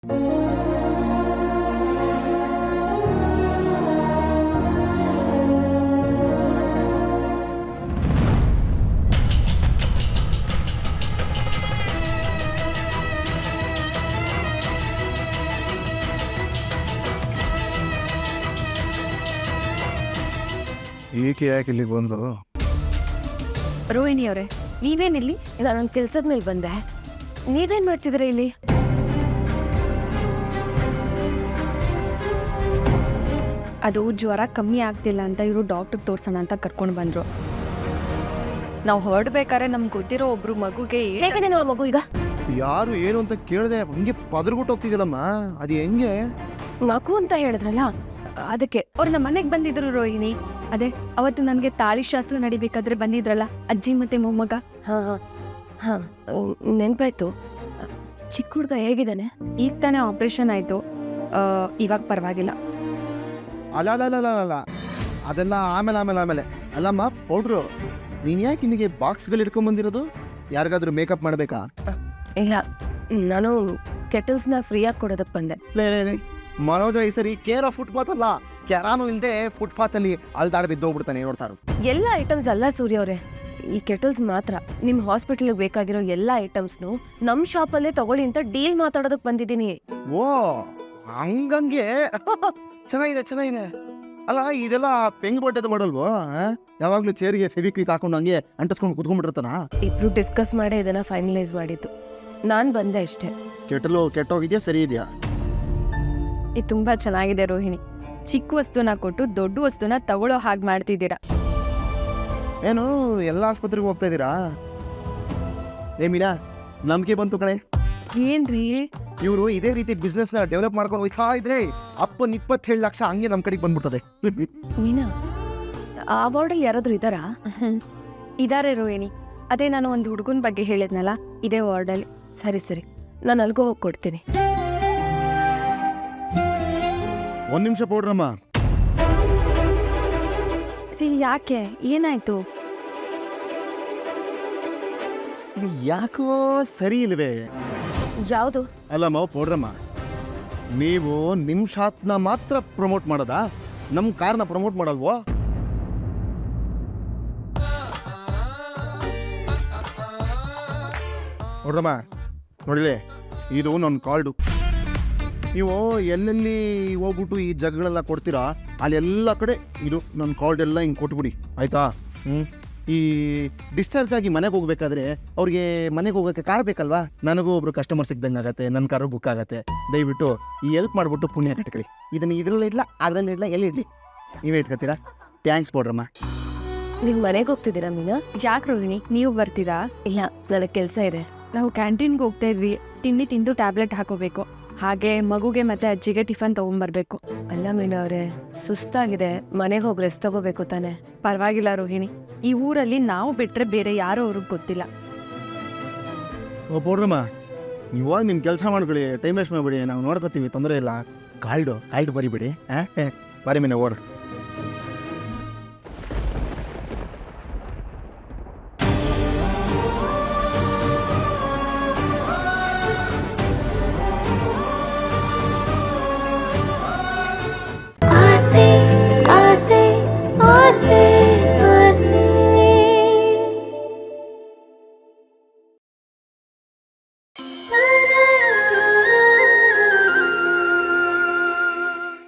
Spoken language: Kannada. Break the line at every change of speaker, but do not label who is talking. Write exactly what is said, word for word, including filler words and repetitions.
ಏಕೆ ಯಾಕೆ ಇಲ್ಲಿಗೆ ಬಂದು?
ರೋಹಿಣಿ ಅವರೇ, ನೀವೇನಿಲ್ಲಿ?
ನಾನೊಂದು ಕೆಲ್ಸದ ಮೇಲೆ ಬಂದೆ. ನೀವೇನ್ ಮಾಡ್ತಿದ್ದೀರಾ ಇಲ್ಲಿ?
ಅದು ಜ್ವರ ಕಮ್ಮಿ ಆಗ್ತಿಲ್ಲ ಅಂತ ಇವರು ಡಾಕ್ಟರ್ ತೋರ್ಸೋಣ ಅಂತ ಕರ್ಕೊಂಡು ಬಂದರು. ನಾವು ಹೊರಡ್ಬೇಕಾದ್ರೆ ನಮ್ಗೆ ಗೊತ್ತಿರೋ ಒಬ್ರು ಮಗುಗೆ
ಹೇಗಿದೆ ನಾವು ಮಗು ಈಗ?
ಯಾರು ಏನು ಅಂತ ಕೇಳಿದೆ, ಹಂಗೆ ಪದರ್ಬಿಟ್ಟು ಹೋಗ್ತಿದ್ದಲ್ಲಮ್ಮ. ಅದು ಹೆಂಗೆ?
ಮಗು ಅಂತ ಹೇಳಿದ್ರಲ್ಲ ಅದಕ್ಕೆ.
ಅವ್ರು ನಮ್ಮ ಮನೆಗೆ ಬಂದಿದ್ರು ರೋಹಿಣಿ. ಅದೇ ಅವತ್ತು ನನಗೆ ತಾಳಿ ಶಾಸ್ತ್ರ ನಡಿಬೇಕಾದ್ರೆ ಬಂದಿದ್ರಲ್ಲ ಅಜ್ಜಿ ಮತ್ತೆ ಮೊಮ್ಮಗ.
ಹಾ ಹಾ ಹಾ ನೆನ್ಪಾಯ್ತು. ಚಿಕ್ಕ ಹುಡುಗ ಹೇಗಿದ್ದಾನೆ?
ಈಗ ತಾನೇ ಆಪ್ರೇಷನ್ ಆಯಿತು, ಇವಾಗ ಪರವಾಗಿಲ್ಲ.
ಅಲ್ಲ ಅಲ್ಲ ಅಲ್ಲ ಅಲ್ಲ ಅದೆಲ್ಲ ಆಮೇಲೆ ಆಮೇಲೆ ಆಮೇಲೆ ಅಲ್ಲಮ್ಮ. ಪೌಡ್ರು, ನೀನು ಯಾಕೆ ಇಲ್ಲಿಗೆ ಬಾಕ್ಸ್ಗಳು ಇಟ್ಕೊಂಡ್ಬಂದಿರೋದು? ಯಾರಿಗಾದ್ರೂ ಮೇಕಪ್ ಮಾಡಬೇಕಾ?
ಇಲ್ಲ, ನಾನು ಕೆಟಲ್ಸ್ನ ಫ್ರೀಯಾಗಿ ಕೊಡೋದಕ್ಕೆ ಬಂದೆ.
ಲೇ ಲೇ ಲೇ ಮನೋಜ, ಈ ಸರಿ ಕೇರ್ ಆಫ್ ಫುಟ್ಪಾತ್ ಅಲ್ಲ, ಕೆರಾನು ಇಲ್ಲದೆ ಫುಟ್ಪಾತಲ್ಲಿ ಅಲ್ದಾಡ್ ಬಿದ್ದೋಗ್ಬಿಡ್ತಾನೆ ನೋಡ್ತಾರು.
ಎಲ್ಲ ಐಟಮ್ಸ್ ಅಲ್ಲ ಸೂರ್ಯ ಅವರೇ, ಈ ಕೆಟಲ್ಸ್ ಮಾತ್ರ. ನಿಮ್ಮ ಹಾಸ್ಪಿಟಲ್ಗೆ ಬೇಕಾಗಿರೋ ಎಲ್ಲ ಐಟಮ್ಸ್ನು ನಮ್ಮ ಶಾಪಲ್ಲೇ ತಗೊಳ್ಳಿ ಅಂತ ಡೀಲ್ ಮಾತಾಡೋದಕ್ಕೆ ಬಂದಿದ್ದೀನಿ.
ಓ ಹಂಗಂಗೆ ಚೆನ್ನಾಗಿದೆ ಚೆನ್ನಾಗಿದೆ. ಅಲ್ಲ ಇದೆಲ್ಲ ಪೆಂಗ್ ಬಟ್ಟೆದು ಮಾಡಲ್ವೋ? ಯಾವಾಗಲೂ ಚೇರಿಗೆ ಫೆವಿಕ್ವಿಕ್ ಹಾಕೊಂಡು ಹಂಗೆ ಅಂಟಿಸ್ಕೊಂಡು ಕುತ್ಕೊಂಡ್ಬಿಟ್ಟಿರ್ತಾನ?
ಇಬ್ರು ಡಿಸ್ಕಸ್ ಮಾಡೇ ಇದನ್ನ ಫೈನಲೈಸ್ ಮಾಡಿದ್ದು. ನಾನು ಬಂದೆ ಅಷ್ಟೇ.
ಕೆಟ್ಟಲು ಕೆಟ್ಟೋಗಿದೆಯಾ ಸರಿ ಇದೆಯಾ?
ಇದು ತುಂಬ ಚೆನ್ನಾಗಿದೆ ರೋಹಿಣಿ. ಚಿಕ್ಕ ವಸ್ತುನ ಕೊಟ್ಟು ದೊಡ್ಡ ವಸ್ತುನ ತಗೊಳ್ಳೋ ಹಾಗೆ ಮಾಡ್ತಿದ್ದೀರಾ.
ಏನು ಎಲ್ಲ ಆಸ್ಪತ್ರೆಗೆ ಹೋಗ್ತಾ ಇದ್ದೀರಾ? ಏ ಮೀನಾ, ನಂಬಿಕೆ ಬಂತು ಕಣೆ.
ಏನ್ರಿ
ಇವರು ಇದೇ ರೀತಿ ಬಿಸ್ನೆಸ್ನ ಡೆವಲಪ್ ಮಾಡ್ಕೊಂಡು ಹೋಗ್ತಾ ಇದ್ರೆ ಅಪ್ಪನ್ ಇಪ್ಪತ್ತೇಳು ಲಕ್ಷ ಹಂಗೆ ನಮ್ಮ ಕಡೆಗೆ ಬಂದ್ಬಿಡ್ತದೆ.
ಮೀನಾ, ಆ ವಾರ್ಡಲ್ಲಿ ಯಾರಾದ್ರೂ ಇದ್ದಾರಾ?
ಇದಾರೆ ರೋಹಿಣಿ. ಅದೇ ನಾನು ಒಂದು ಹುಡುಗನ ಬಗ್ಗೆ ಹೇಳಿದ್ನಲ್ಲ, ಇದೇ ವಾರ್ಡಲ್ಲಿ.
ಸರಿ ಸರಿ, ನಾನು ಅಲ್ಗೋ ಹೋಗಿ ಕೊಡ್ತೀನಿ.
ಒಂದ್ ನಿಮಿಷ ಪೌಡ್ರಮ್ಮ.
ಯಾಕೆ, ಏನಾಯ್ತು?
ಇದು ಯಾಕೋ ಸರಿ ಇಲ್ವೇ?
ಯಾವುದು?
ಅಲ್ಲಮ್ಮ ಪೌಡ್ರಮ್ಮ, ನೀವು ನಿಮ್ ಶಾತ್ನ ಮಾತ್ರ ಪ್ರಮೋಟ್ ಮಾಡೋದಾ? ನಮ್ ಕಾರ್ನ ಪ್ರಮೋಟ್ ಮಾಡಲ್ವೋ? ಪೌಡ್ರಮ್ಮ ನೋಡಿಲೆ, ಇದು ನನ್ನ ಕಾರ್ಡು. ನೀವು ಎಲ್ಲೆಲ್ಲಿ ಹೋಗ್ಬಿಟ್ಟು ಈ ಜಗಗಳೆಲ್ಲ ಕೊಡ್ತೀರಾ ಅಲ್ಲೆಲ್ಲ ಕಡೆ ಇದು ನನ್ನ ಕಾರ್ಡ್ ಎಲ್ಲ ಹಿಂಗೆ ಕೊಟ್ಬಿಡಿ, ಆಯಿತಾ? ಹ್ಞೂ ಈ ಡಿಸ್ಚಾರ್ಜ್ ಆಗಿ ಮನೆಗೆ ಹೋಗ್ಬೇಕಾದ್ರೆ ಅವ್ರಿಗೆ ಮನೆಗೆ ಹೋಗೋಕ್ಕೆ ಕಾರ್ ಬೇಕಲ್ವಾ? ನನಗೂ ಒಬ್ರು ಕಸ್ಟಮರ್ ಸಿಗ್ದಂಗೆ ಆಗತ್ತೆ, ನನ್ನ ಕಾರು ಬುಕ್ ಆಗುತ್ತೆ. ದಯವಿಟ್ಟು ಈ ಹೆಲ್ಪ್ ಮಾಡಿಬಿಟ್ಟು ಪುಣ್ಯ ಕಟ್ಕೊಳ್ಳಿ. ಇದನ್ನು ಇದರಲ್ಲಿ ಇಡಲ್ಲ, ಅದರಲ್ಲಿ ಇಡಲ್ಲ, ಎಲ್ಲಿ ಇಡಲಿ ನೀವೇ ಇಟ್ಕೊತೀರಾ? ಥ್ಯಾಂಕ್ಸ್ ಪೌಡ್ರಮ್ಮ.
ನೀವು ಮನೆಗೆ ಹೋಗ್ತಿದ್ದೀರಾ ಮೀನಾ?
ಯಾಕೆ ರೋಹಿಣಿ, ನೀವು ಬರ್ತೀರಾ?
ಇಲ್ಲ, ನನಗೆ ಕೆಲಸ ಇದೆ.
ನಾವು ಕ್ಯಾಂಟೀನ್ಗೆ ಹೋಗ್ತಾ ಇದ್ವಿ. ತಿಂಡಿ ತಿಂದು ಟ್ಯಾಬ್ಲೆಟ್ ಹಾಕೋಬೇಕು. ಹಾಗೆ ಮಗುಗೆ ಮತ್ತೆ ಅಜ್ಜಿಗೆ ಟಿಫನ್ ತಗೊಂಡ್ಬರ್ಬೇಕು.
ಅಲ್ಲ ಮೀನಾ ಅವರೇ, ಸುಸ್ತಾಗಿದೆ, ಮನೆಗೆ ಹೋಗಿ ರೆಸ್ಟ್ ತಗೋಬೇಕು ತಾನೆ.
ಪರವಾಗಿಲ್ಲ ರೋಹಿಣಿ, ಈ ಊರಲ್ಲಿ ನಾವು ಬಿಟ್ರೆ ಬೇರೆ ಯಾರೋ ಅವ್ರಿಗೆ ಗೊತ್ತಿಲ್ಲ.
ಓ ಪೌಡ್ರಮ್ಮ, ಇವಾಗ ನಿಮ್ಮ ಕೆಲಸ ಮಾಡ್ಕೊಳ್ಳಿ, ಟೈಮ್ ವೇಸ್ಟ್ ಮಾಡಿಬಿಡಿ, ನಾವು ನೋಡ್ಕೊತೀವಿ, ತೊಂದರೆ ಇಲ್ಲ. ಕಾಲ್ಡು ಕಾಲ್ಡು ಬರಿಬಿಡಿ. ಹಾಂ ಬರಿ ಮೀನ ಓಡ್.
आसे आसे आसे